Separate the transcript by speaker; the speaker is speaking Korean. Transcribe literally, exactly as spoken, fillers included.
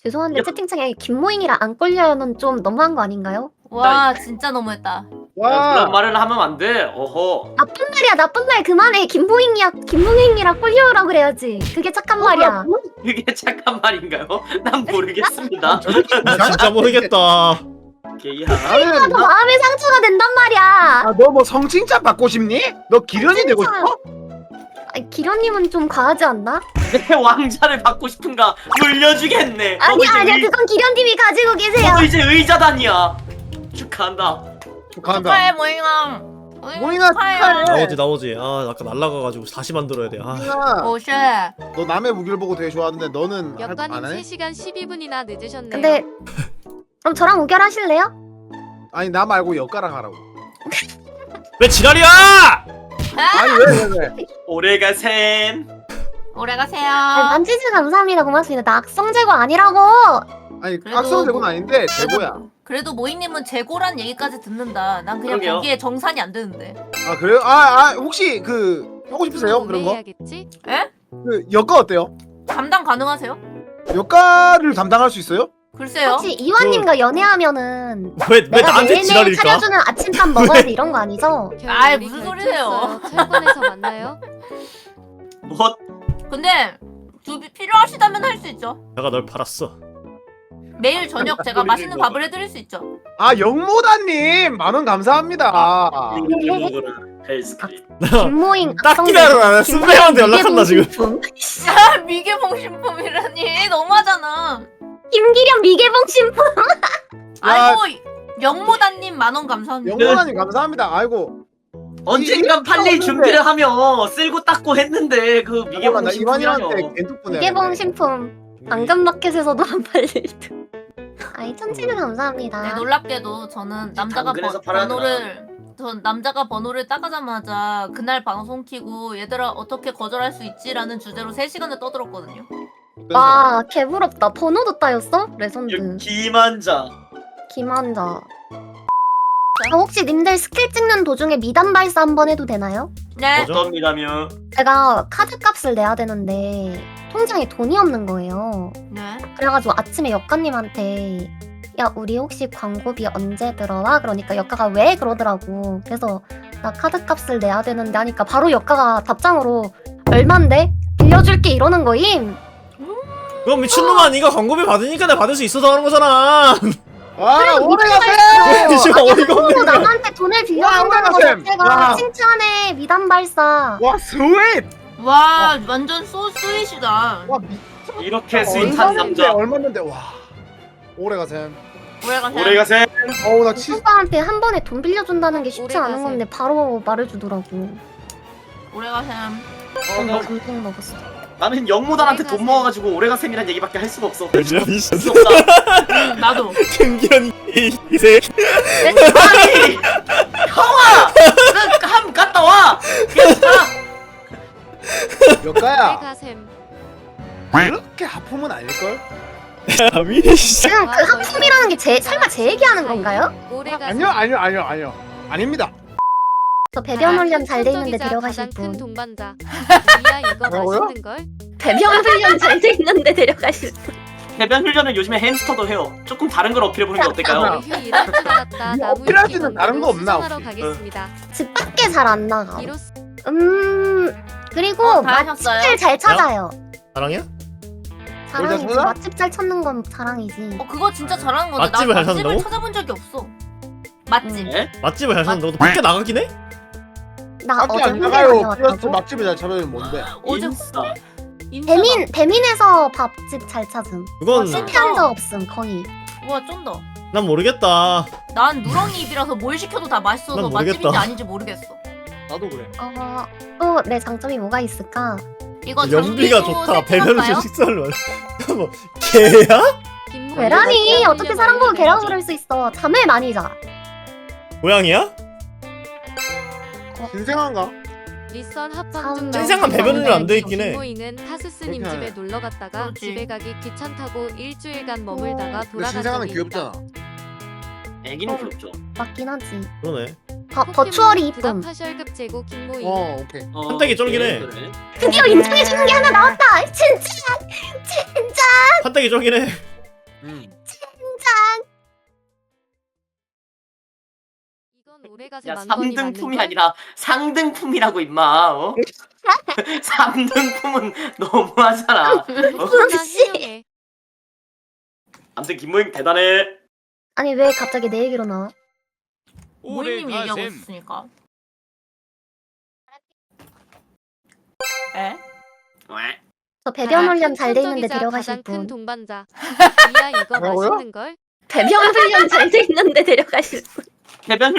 Speaker 1: 죄송한데 채팅창에 김모잉이랑 안 걸려요는 좀 너무한 거 아닌가요?
Speaker 2: 와 진짜 너무했다.
Speaker 3: 와
Speaker 4: 그런 말을 하면 안 돼. 어허.
Speaker 1: 나쁜 말이야 나쁜 말 그만해. 김모잉이야 김모잉이랑 꼴려요라 그래야지. 그게 착한 말이야.
Speaker 4: 그게 착한 말인가요? 난 모르겠습니다.
Speaker 5: 나 진짜 모르겠다.
Speaker 4: 오케이.
Speaker 3: 나는
Speaker 1: 너 마음의 상처가 된단 말이야.
Speaker 3: 너 뭐 성칭찬 받고 싶니? 너 기련이 되고 싶어?
Speaker 1: 아니, 기련님은 좀 과하지 않나?
Speaker 4: 내 왕자를 받고 싶은가? 물려주겠네. 너도
Speaker 1: 아니야
Speaker 4: 이제
Speaker 1: 아니야
Speaker 4: 의-
Speaker 1: 그건 기련님이 가지고 계세요.
Speaker 4: 너도 이제 의자단이야. 축하한다.
Speaker 3: 축하한다.
Speaker 2: 축하해 모잉아.
Speaker 3: 모잉아, 축하해.
Speaker 5: 나오지 나오지. 아 아까 날라가가지고 다시 만들어야 돼. 아.
Speaker 3: 모잉아,
Speaker 2: 오쉣.
Speaker 3: 너 남의 무기를 보고 되게 좋아하는데 너는 할-
Speaker 6: 역관님
Speaker 3: 안 해?
Speaker 6: 세 시간 십이 분이나 늦으셨네요.
Speaker 1: 근데 그럼 저랑 우결하실래요?
Speaker 3: 아니 나 말고 엿가락 하라고.
Speaker 5: 왜 지랄이야?
Speaker 3: 아니 왜 왜 왜?
Speaker 4: 오래가 샘.
Speaker 2: 오래 가세요.
Speaker 1: 아니, 만지즈 감사합니다 고맙습니다. 나 악성 제거 아니라고.
Speaker 3: 아니
Speaker 2: 그래도
Speaker 3: 악성 제고는
Speaker 2: 뭐-
Speaker 3: 아닌데 제고야.
Speaker 2: 그래도 모잉님은 재고란 얘기까지 듣는다. 난 그냥
Speaker 4: 그러게요.
Speaker 2: 거기에 정산이 안 되는데.
Speaker 3: 아 그래요? 아, 아 혹시 그 하고 싶으세요 그런 거?
Speaker 6: 해야겠지?
Speaker 2: 에?
Speaker 3: 그 엿가 어때요?
Speaker 2: 감당 가능하세요?
Speaker 3: 엿가를 담당할 수 있어요?
Speaker 2: 글쎄요.
Speaker 1: 혹시 이완님과 연애하면은
Speaker 5: 왜 왜
Speaker 1: 내가
Speaker 5: 나한테
Speaker 1: 매일매일
Speaker 5: 지랄일까?
Speaker 1: 차려주는 아침밥 먹어야 돼 이런 거 아니죠?
Speaker 2: 아이,
Speaker 6: 우리
Speaker 2: 무슨 소리세요.
Speaker 6: 결투했어요. 철권에서 만나요?
Speaker 4: 뭐?
Speaker 2: 근데 두 필요하시다면 할 수 있죠.
Speaker 5: 내가 널 팔았어.
Speaker 2: 매일 저녁 제가 맛있는 밥을 해드릴 수 있죠.
Speaker 3: 아 영모다님 만원 감사합니다.
Speaker 4: 헬스크림.
Speaker 1: 김모잉
Speaker 5: 딱 기다려라. 승배한테 연락한다 지금.
Speaker 2: 아 미개봉 신품이라니 너무하잖아.
Speaker 1: 김기련 미개봉 신품.
Speaker 2: 아이고 영모다님 만원 감사합니다.
Speaker 3: 영모다님 감사합니다. 아이고.
Speaker 4: 언젠간 팔릴 준비를 하며 쓸고 닦고 했는데 그 미개봉
Speaker 3: 나
Speaker 4: 신분이라뇨.
Speaker 3: 이완이한테 겐톡
Speaker 1: 미개봉 신품. 당근마켓에서도 안 팔릴 듯. 아이 천지는 감사합니다.
Speaker 2: 네, 놀랍게도 저는 남자가
Speaker 4: 당근에서
Speaker 2: 번,
Speaker 4: 팔아야
Speaker 2: 번호를 전 남자가 번호를 따가자마자 그날 방송 키고 얘들아 어떻게 거절할 수 있지라는 주제로 세 시간을 떠들었거든요.
Speaker 1: 와 개부럽다. 번호도 따였어? 레전드.
Speaker 4: 기만자.
Speaker 1: 김한자. 아, 혹시 님들 스킬 찍는 도중에 미담 발사 한번 해도 되나요?
Speaker 2: 네.
Speaker 5: 뭐죠?
Speaker 4: 어떻습니다며.
Speaker 1: 제가 카드 값을 내야 되는데 통장에 돈이 없는 거예요.
Speaker 2: 네.
Speaker 1: 그래가지고 아침에 역가님한테 야 우리 혹시 광고비 언제 들어와? 그러니까 역가가 왜 그러더라고. 그래서 나 카드 값을 내야 되는데 하니까 바로 역가가 답장으로 얼만데? 빌려줄게 이러는 거임.
Speaker 5: 그럼 미친놈아 네가 광고비 받으니까 내가 받을 수 있어서 하는 거잖아.
Speaker 3: 아 오래
Speaker 5: 아,
Speaker 3: 가세요.
Speaker 5: 지금 어이가 없네.
Speaker 1: 또 남한테 돈을 빌려준다는 거
Speaker 3: 올라가셈.
Speaker 1: 자체가
Speaker 3: 와.
Speaker 1: 칭찬해. 미담 발사.
Speaker 3: 와 스윗.
Speaker 2: 와 완전 소 스윗이다.
Speaker 3: 와 미.
Speaker 4: 이렇게 스윗한 남자.
Speaker 3: 얼마인데 와. 오래 가세요.
Speaker 2: 오래 가세요.
Speaker 4: 오래가 샘.
Speaker 3: 어우 나 치.
Speaker 1: 오빠한테 한 번에 돈 빌려준다는 게 쉽지
Speaker 6: 오래
Speaker 1: 않은
Speaker 6: 가세요.
Speaker 1: 건데 바로 말해주더라고.
Speaker 2: 오래 가세요.
Speaker 4: 어,
Speaker 1: 나
Speaker 4: 나,
Speaker 1: 감동 먹었어.
Speaker 4: 나는 영무단한테
Speaker 6: 오래가
Speaker 4: 돈
Speaker 6: 샘.
Speaker 4: 먹어가지고 오래가 샘이란 얘기밖에 할 수가 없어.
Speaker 5: 미친.
Speaker 4: 할 수 없다.
Speaker 2: 음, 나도.
Speaker 5: 김기현 이세.
Speaker 4: 아니 형아, 그함 갔다 와. 괜찮아.
Speaker 3: 엿가야
Speaker 6: 가셈.
Speaker 3: 그렇게 하품은 아닐걸?
Speaker 5: 미래 씨.
Speaker 1: 지금 그 하품이라는 게 제 설마 제 얘기하는 건가요?
Speaker 6: 오래 가셈.
Speaker 3: 아니요 아니요 아니요 아니요 아닙니다.
Speaker 1: 저 배변 훈련 잘 돼 있는데
Speaker 6: 손톱이자
Speaker 1: 데려가실
Speaker 6: 가장 큰
Speaker 1: 분.
Speaker 6: 동반자. 이야 이거
Speaker 3: 뭐라고요?
Speaker 6: 맛있는 걸.
Speaker 1: 배변 훈련 잘 돼 있는데 데려가실 분.
Speaker 4: 해변 훈련은 요즘에 햄스터도 해요. 조금 다른 걸 어필해 보는 게 어떨까요?
Speaker 6: 휴 일할 줄 알았다.
Speaker 3: 이
Speaker 6: 나무
Speaker 3: 어필할
Speaker 6: 위키
Speaker 3: 수 있는 다른 거 없나,
Speaker 6: 수정하러
Speaker 3: 혹시?
Speaker 6: 가겠습니다.
Speaker 1: 집 밖에 잘 안 나가.
Speaker 6: 이로써
Speaker 1: 음 그리고
Speaker 2: 어, 다 하셨어요?
Speaker 1: 맛집을 잘 찾아요.
Speaker 5: 사랑이야?
Speaker 1: 자랑이지.
Speaker 3: 찾아?
Speaker 1: 맛집 잘 찾는 건 자랑이지.
Speaker 2: 어 그거 진짜 잘하는 건데
Speaker 5: 맛집을
Speaker 2: 나
Speaker 5: 잘
Speaker 2: 맛집을
Speaker 5: 찾는다고?
Speaker 2: 찾아본 적이 없어. 맛집.
Speaker 4: 네?
Speaker 5: 맛집을 잘 찾는다고? 너 밖에 나가긴 해?
Speaker 1: 나
Speaker 3: 밖에
Speaker 1: 어제
Speaker 3: 안
Speaker 1: 홍대
Speaker 3: 나가요. 플러스
Speaker 1: 다녀왔다고.
Speaker 3: 맛집을 잘 찾으면 뭔데?
Speaker 2: 어제
Speaker 4: 인싸.
Speaker 2: 인스타.
Speaker 1: 배민 배민에서 밥집 잘 찾음.
Speaker 5: 그건
Speaker 2: 진짜?
Speaker 1: 실패한 적 없음 거의.
Speaker 2: 우와 쫀다.
Speaker 5: 난 모르겠다.
Speaker 2: 난 누렁이 입이라서 뭘 시켜도 다 맛있어서
Speaker 5: 난 모르겠다.
Speaker 2: 맛집인지 아닌지 모르겠어.
Speaker 3: 나도 그래.
Speaker 1: 어또 내 장점이 뭐가 있을까?
Speaker 2: 이거
Speaker 5: 연비가
Speaker 2: 장비도
Speaker 5: 좋다. 배변을
Speaker 2: 세팅할까요?
Speaker 5: 좀 식사를 많이. 뭐 개야?
Speaker 6: 김모
Speaker 1: 계란이 어떻게 사람 보고 계란 그럴 수 있어. 잠을 많이 자.
Speaker 5: 고양이야?
Speaker 3: 신생한가?
Speaker 6: 리선 합방
Speaker 1: 참
Speaker 6: 중
Speaker 5: 신생한 배변으로 안 돼 있긴 해.
Speaker 6: 김모잉은 하스스님
Speaker 3: 그렇게
Speaker 6: 집에 놀러 갔다가
Speaker 2: 그렇지.
Speaker 6: 집에 가기 귀찮다고 일주일간 머물다가
Speaker 3: 근데
Speaker 6: 돌아간
Speaker 3: 신생아는
Speaker 6: 적이 있다.
Speaker 3: 귀엽잖아.
Speaker 4: 애기는
Speaker 1: 어.
Speaker 4: 귀엽죠.
Speaker 1: 맞긴 하지.
Speaker 5: 그러네.
Speaker 1: 버, 버추얼이 이쁨.
Speaker 6: 파셜급 제고 김모잉.
Speaker 3: 어 오케이.
Speaker 4: 어,
Speaker 5: 한때기 쫄기네.
Speaker 4: 그래, 그래.
Speaker 1: 드디어 인정해주는 게 하나 나왔다. 진짜 진짜.
Speaker 5: 판때기 쫄긴 해.
Speaker 6: 이건 오래가세
Speaker 4: 야
Speaker 6: 만번이 맞는
Speaker 4: 삼등품이
Speaker 6: 걸?
Speaker 4: 아니라 상등품이라고 임마. 어? 삼등품은 너무하잖아. 어?
Speaker 6: 나 해명해.
Speaker 4: 아무튼 김모잉 대단해.
Speaker 1: 아니 왜 갑자기 내 얘기로 나와?
Speaker 2: 모이님 얘기하고 있으니까. 에?
Speaker 4: 왜?
Speaker 1: 저 배변
Speaker 6: 아,
Speaker 1: 훈련 잘 돼 있는데
Speaker 6: 천적이자
Speaker 1: 데려가실
Speaker 6: 가장 큰
Speaker 1: 분.
Speaker 6: 동반자. 이야 이거
Speaker 3: 뭐라고요?
Speaker 6: 맛있는 걸?
Speaker 1: 배변 훈련 잘 돼 있는데 데려가실 분.
Speaker 4: 배변